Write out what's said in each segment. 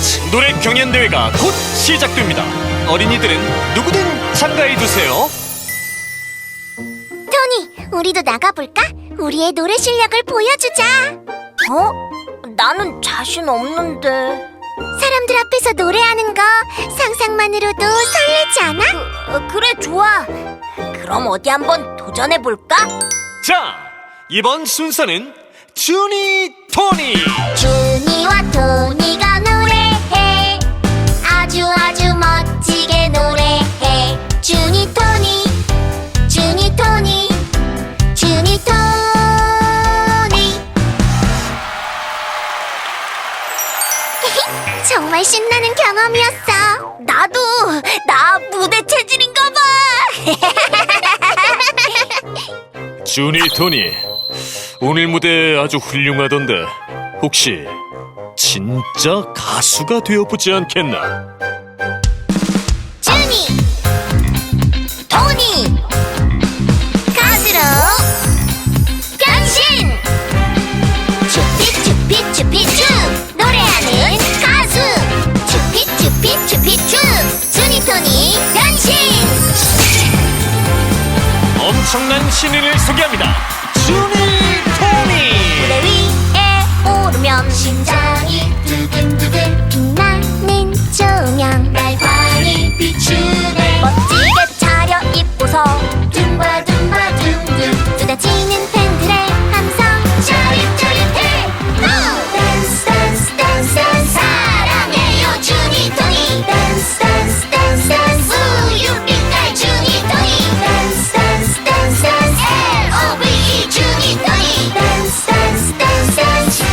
스테이지 노래 경연대회가 곧 시작됩니다. 어린이들은 누구든 참가해주세요. 토니, 우리도 나가볼까? 우리의 노래 실력을 보여주자. 나는 자신 없는데. 사람들 앞에서 노래하는 거 상상만으로도 설레지 않아? 그래, 좋아. 그럼 어디 한번 도전해볼까? 자, 이번 순서는 주니 토니. 주니와 토니가 노래해. 아주 멋지게 노래해. 주니 토니, 주니 토니, 주니 토니. 정말 신나는 경험이었어. 나도. 나 무대 체질인가 봐. 주니 토니, 오늘 무대 아주 훌륭하던데 혹시 진짜 가수가 되어보지 않겠나? 주니, 토니, 가수로 변신! 쭈피쭈피쭈피쭈 노래하는 가수 쭈피쭈피쭈피쭈 주니 토니 변신! 엄청난 신인을 소개합니다. 주니 토니. 무대 위에 오르면 심장이 두근두근 빛나는 조명 날 환히 비추네. 멋지게 차려입고서 둠바둠바 둠둠 쏟아지는 팬들의 함성 짜릿짜릿해. 댄스 댄스 댄스 댄스 사랑해요 주니 토니. 댄스 댄스 댄스 댄스 우유빛깔 주니 토니. 댄스 댄스 댄스 댄스 L-O-V-E 주니 토니. 댄스 댄스 댄스 댄스.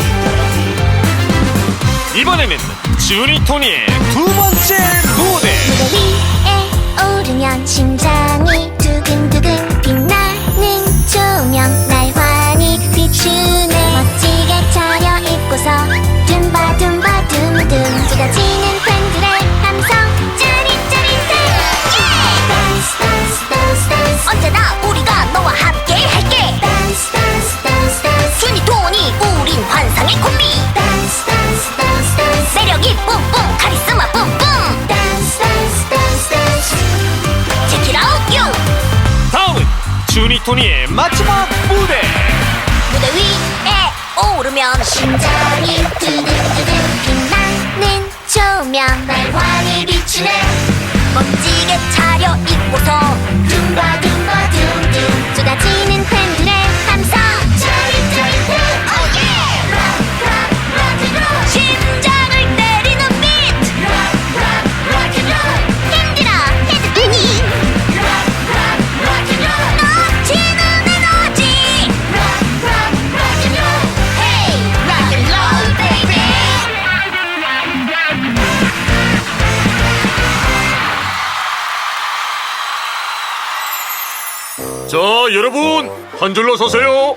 이번에는 주니 토니의 두 번째 무대. 무대 위에 오르면 심장이 두근두근 빛나는 조명 날 환히 비추네. 멋지게 차려입고서 둠바둠바 둠둠 쏟아지는 팬들의 함성 짜릿짜릿해. 댄스 댄스 댄스 댄스 언제나 우리가 너와 함께 할게. 댄스 댄스 댄스 댄스 주니 토니 우린 환상의 콤비. 댄스 댄스 댄스 댄스 매력이 뿜뿜 카리스마 뿜뿜. 댄스 댄스 댄스 댄스 Check it out you. 다음은 주니 토니의 마지막 무대. 무대 위에 오르면 심장이 두근두근 빛나는 조명 날 환히 비추네. 멋지게 차려입고서 둠바둠바 둠둠 쏟아지는 팬들의 함성 짜릿짜릿해. Oh yeah. Rock rock rock and roll. 심장을 때리는 비트. Rock rock rock and roll. 힘들어 헤드뱅이. Rock rock rock and roll. 넘치는 에너지. Rock rock rock and roll. Hey rock and roll baby. 자, 여러분 한 줄로 서세요.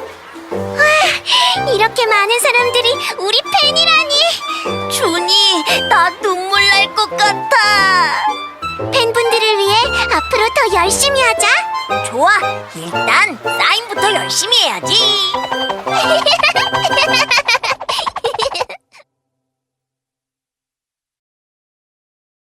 이렇게 많은 사람들이 우리 팬이라니. 준이, 나 눈물 날 것 같아. 팬분들을 위해 앞으로 더 열심히 하자. 좋아, 일단 사인부터 열심히 해야지.